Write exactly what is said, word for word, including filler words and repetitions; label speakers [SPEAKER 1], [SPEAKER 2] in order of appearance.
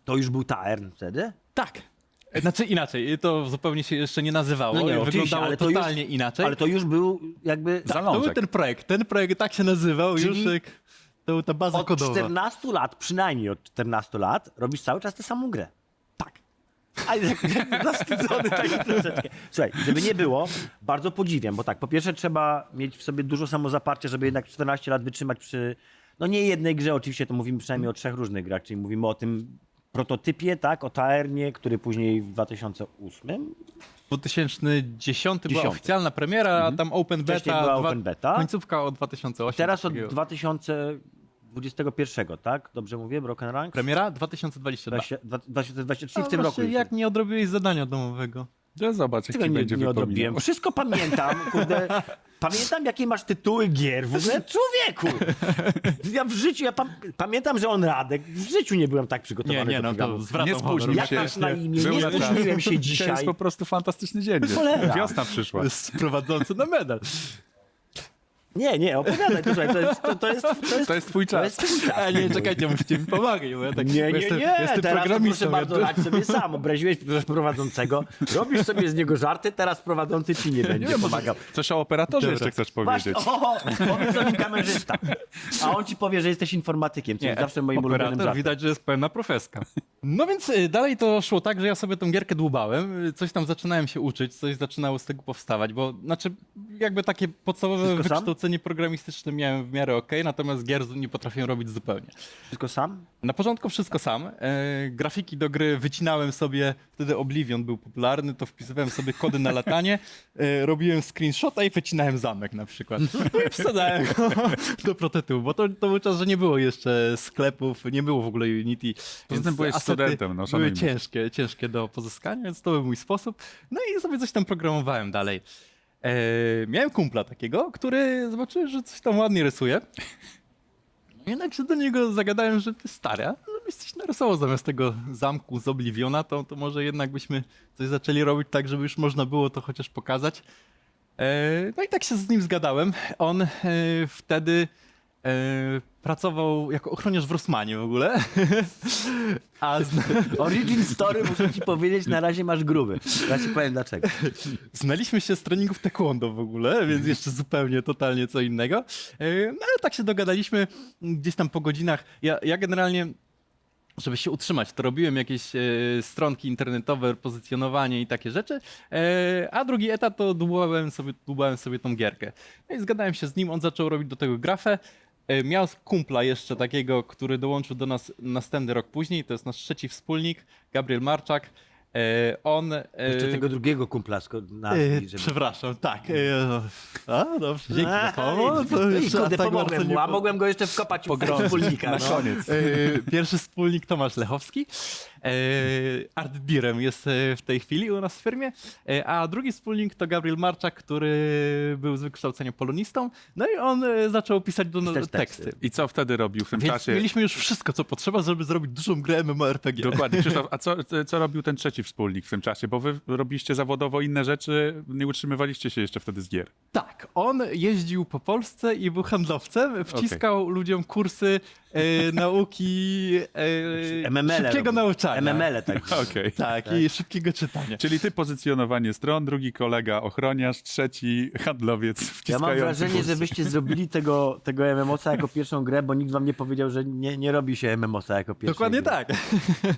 [SPEAKER 1] To już był Taern wtedy?
[SPEAKER 2] Tak. Znaczy inaczej, to zupełnie się jeszcze nie nazywało.
[SPEAKER 1] No nie, oczywiście,
[SPEAKER 2] Wyglądało
[SPEAKER 1] ale to
[SPEAKER 2] totalnie
[SPEAKER 1] już,
[SPEAKER 2] inaczej.
[SPEAKER 1] Ale to już był jakby...
[SPEAKER 2] Tak, to był ten projekt. Ten projekt tak się nazywał,
[SPEAKER 1] Czyli
[SPEAKER 2] już jak to była ta baza
[SPEAKER 1] Od
[SPEAKER 2] kodowa.
[SPEAKER 1] czternastu lat, przynajmniej od czternastu lat, robisz cały czas tę samą grę.
[SPEAKER 2] Tak.
[SPEAKER 1] A jak, jak zawstydzony taki troszeczkę. Słuchaj, żeby nie było, bardzo podziwiam, bo tak, po pierwsze trzeba mieć w sobie dużo samozaparcia, żeby jednak czternaście lat wytrzymać przy, no nie jednej grze, oczywiście to mówimy przynajmniej o trzech różnych grach, czyli mówimy o tym prototypie, tak, o Taernie, który później w dwa tysiące ósmym
[SPEAKER 2] dwa tysiące dziesiąty była
[SPEAKER 1] Dziesiąty.
[SPEAKER 2] oficjalna premiera, a tam open
[SPEAKER 1] Wcześniej
[SPEAKER 2] beta,
[SPEAKER 1] była
[SPEAKER 2] dwa,
[SPEAKER 1] open beta.
[SPEAKER 2] końcówka od dwa tysiące ósmego.
[SPEAKER 1] teraz od
[SPEAKER 2] takiego.
[SPEAKER 1] dwa tysiące dwudziestego pierwszego, tak? Dobrze mówię? Broken Ranks?
[SPEAKER 2] Premiera dwa tysiące dwudziesty drugi.
[SPEAKER 1] dwa tysiące dwudziesty, czyli
[SPEAKER 2] A
[SPEAKER 1] w tym roku.
[SPEAKER 2] właśnie,
[SPEAKER 1] już.
[SPEAKER 2] jak nie odrobiłeś zadania domowego?
[SPEAKER 3] Ja zobacz, jak
[SPEAKER 1] Czego
[SPEAKER 3] ci
[SPEAKER 1] nie,
[SPEAKER 3] będzie
[SPEAKER 1] nie
[SPEAKER 3] wypominał.
[SPEAKER 1] odrobiłem? Wszystko pamiętam, kurde. Pamiętam, jakie masz tytuły gier. W ogóle człowieku! Ja w życiu, ja pam pamiętam, że on Radek. W życiu nie byłem tak przygotowany
[SPEAKER 2] Nie, nie,
[SPEAKER 1] do
[SPEAKER 2] no to
[SPEAKER 1] programu.
[SPEAKER 2] zwracam
[SPEAKER 3] Nie spóźnił
[SPEAKER 2] honor.
[SPEAKER 1] Jak
[SPEAKER 3] się.
[SPEAKER 1] masz na imię?
[SPEAKER 3] Był
[SPEAKER 1] Nie
[SPEAKER 3] naprawdę.
[SPEAKER 1] spóźniłem się
[SPEAKER 3] Dzisiaj
[SPEAKER 1] dzisiaj.
[SPEAKER 3] jest po prostu fantastyczny dzień. wiesz.
[SPEAKER 1] Cholera.
[SPEAKER 3] Wiosna przyszła.
[SPEAKER 2] To jest prowadzący na medal.
[SPEAKER 1] Nie, nie, opowiadaj. To, słuchaj, to, jest, to, to, jest, to, jest,
[SPEAKER 3] To jest twój
[SPEAKER 1] to
[SPEAKER 3] czas.
[SPEAKER 1] jest twój czas.
[SPEAKER 2] A nie, czekajcie, musicie mi pomagać, bo ja tak
[SPEAKER 1] Nie, nie, nie,
[SPEAKER 2] jestem,
[SPEAKER 1] teraz
[SPEAKER 2] jestem
[SPEAKER 1] to proszę
[SPEAKER 2] programistą.
[SPEAKER 1] bardzo
[SPEAKER 2] ja-
[SPEAKER 1] radź sobie sam. Obraziłeś prowadzącego, robisz sobie z niego żarty, teraz prowadzący ci nie będzie
[SPEAKER 3] Nie, może
[SPEAKER 1] pomagał.
[SPEAKER 3] coś o operatorze
[SPEAKER 2] Dobra.
[SPEAKER 3] jeszcze chcesz
[SPEAKER 1] Właśnie,
[SPEAKER 3] powiedzieć.
[SPEAKER 1] o, powiedz o nim kamerzysta. A on ci powie, że jesteś informatykiem, co jest zawsze moim ulubionym
[SPEAKER 2] operator,
[SPEAKER 1] żartem.
[SPEAKER 2] widać, że jest pełna profeska. No więc y, dalej to szło tak, że ja sobie tą gierkę dłubałem, y, coś tam zaczynałem się uczyć, coś zaczynało z tego powstawać, bo znaczy jakby takie podstawowe
[SPEAKER 1] Wszystko sam?
[SPEAKER 2] wykształcenie programistyczne miałem w miarę okej, natomiast gier z- nie potrafiłem robić zupełnie.
[SPEAKER 1] Wszystko sam?
[SPEAKER 2] Na początku wszystko sam. E, grafiki do gry wycinałem sobie, wtedy Oblivion był popularny, to wpisywałem sobie kody na latanie, e, robiłem screenshota i wycinałem zamek na przykład. No i wsadzałem go do prototypu, bo to, to był czas, że nie było jeszcze sklepów, nie było w ogóle Unity.
[SPEAKER 3] tym
[SPEAKER 2] więc
[SPEAKER 3] byłeś
[SPEAKER 2] asety
[SPEAKER 3] studentem, no,
[SPEAKER 2] były
[SPEAKER 3] szanujmy.
[SPEAKER 2] ciężkie, ciężkie do pozyskania, więc to był mój sposób. No i sobie coś tam programowałem dalej. E, miałem kumpla takiego, który zobaczył, że coś tam ładnie rysuje. Jednak się do niego zagadałem, że ty stary, a żebyś coś narysował zamiast tego zamku z Obliviona, to, to może jednak byśmy coś zaczęli robić tak, żeby już można było to chociaż pokazać. E, no i tak się z nim zgadałem. On e, wtedy e, pracował jako ochroniarz w Rossmanie w ogóle. A zna,
[SPEAKER 1] Origin story, muszę ci powiedzieć, na razie masz gruby. Ja ci powiem dlaczego.
[SPEAKER 2] znaliśmy się z treningów taekwondo w ogóle, więc jeszcze zupełnie, totalnie co innego. E, No ale tak się dogadaliśmy gdzieś tam po godzinach. Ja, ja generalnie, żeby się utrzymać, to robiłem jakieś e, stronki internetowe, pozycjonowanie i takie rzeczy, e, a drugi etap to dłubałem sobie, dłubałem sobie tą gierkę. No i zgadałem się z nim, on zaczął robić do tego grafę. E, Miał kumpla jeszcze takiego, który dołączył do nas następny rok później, to jest nasz trzeci wspólnik, Gabriel Marczak. E, On... e,
[SPEAKER 1] Jeszcze tego drugiego kumpla sko-
[SPEAKER 2] E,
[SPEAKER 1] nazwij, żeby...
[SPEAKER 2] Przepraszam, tak. E, a, dobrze, dzięki za
[SPEAKER 1] A,
[SPEAKER 2] pomoc.
[SPEAKER 1] i-
[SPEAKER 2] To
[SPEAKER 1] i
[SPEAKER 2] jeszcze
[SPEAKER 1] kurde,
[SPEAKER 2] tak bardzo
[SPEAKER 1] pomogłem
[SPEAKER 2] nie
[SPEAKER 1] mu, a
[SPEAKER 2] po-
[SPEAKER 1] mogłem go jeszcze wkopać w
[SPEAKER 3] Pogrążyć
[SPEAKER 1] wspólnika.
[SPEAKER 3] na
[SPEAKER 1] no.
[SPEAKER 3] koniec.
[SPEAKER 2] E, Pierwszy wspólnik Tomasz Lechowski. E, Art Direm jest e, w tej chwili u nas w firmie, e, a drugi wspólnik to Gabriel Marczak, który był z wykształcenia polonistą. No i on e, zaczął pisać do nas
[SPEAKER 1] Pisać
[SPEAKER 2] teksty.
[SPEAKER 1] teksty.
[SPEAKER 3] I co wtedy robił w tym
[SPEAKER 2] Więc
[SPEAKER 3] czasie?
[SPEAKER 2] mieliśmy już wszystko, co potrzeba, żeby zrobić dużą grę MMORPG.
[SPEAKER 3] Dokładnie. Krzysztof, a co, co robił ten trzeci wspólnik w tym czasie? Bo wy robiliście zawodowo inne rzeczy, nie utrzymywaliście się jeszcze wtedy z gier.
[SPEAKER 2] Tak, on jeździł po Polsce i był handlowcem, wciskał ludziom kursy e, nauki e,
[SPEAKER 1] M M L
[SPEAKER 2] szybkiego
[SPEAKER 1] robił.
[SPEAKER 2] nauczania.
[SPEAKER 1] M M L tak.
[SPEAKER 3] Okej.
[SPEAKER 2] Tak, i szybkiego czytania.
[SPEAKER 3] Czyli ty pozycjonowanie stron, drugi kolega ochroniarz, trzeci handlowiec
[SPEAKER 1] Ja
[SPEAKER 3] wciskający
[SPEAKER 1] mam wrażenie,
[SPEAKER 3] kursy.
[SPEAKER 1] że wyście zrobili tego, tego M M O-sa jako pierwszą grę, bo nikt wam nie powiedział, że nie, nie robi się M M O-sa jako pierwszą
[SPEAKER 2] Dokładnie
[SPEAKER 1] grę.
[SPEAKER 2] tak.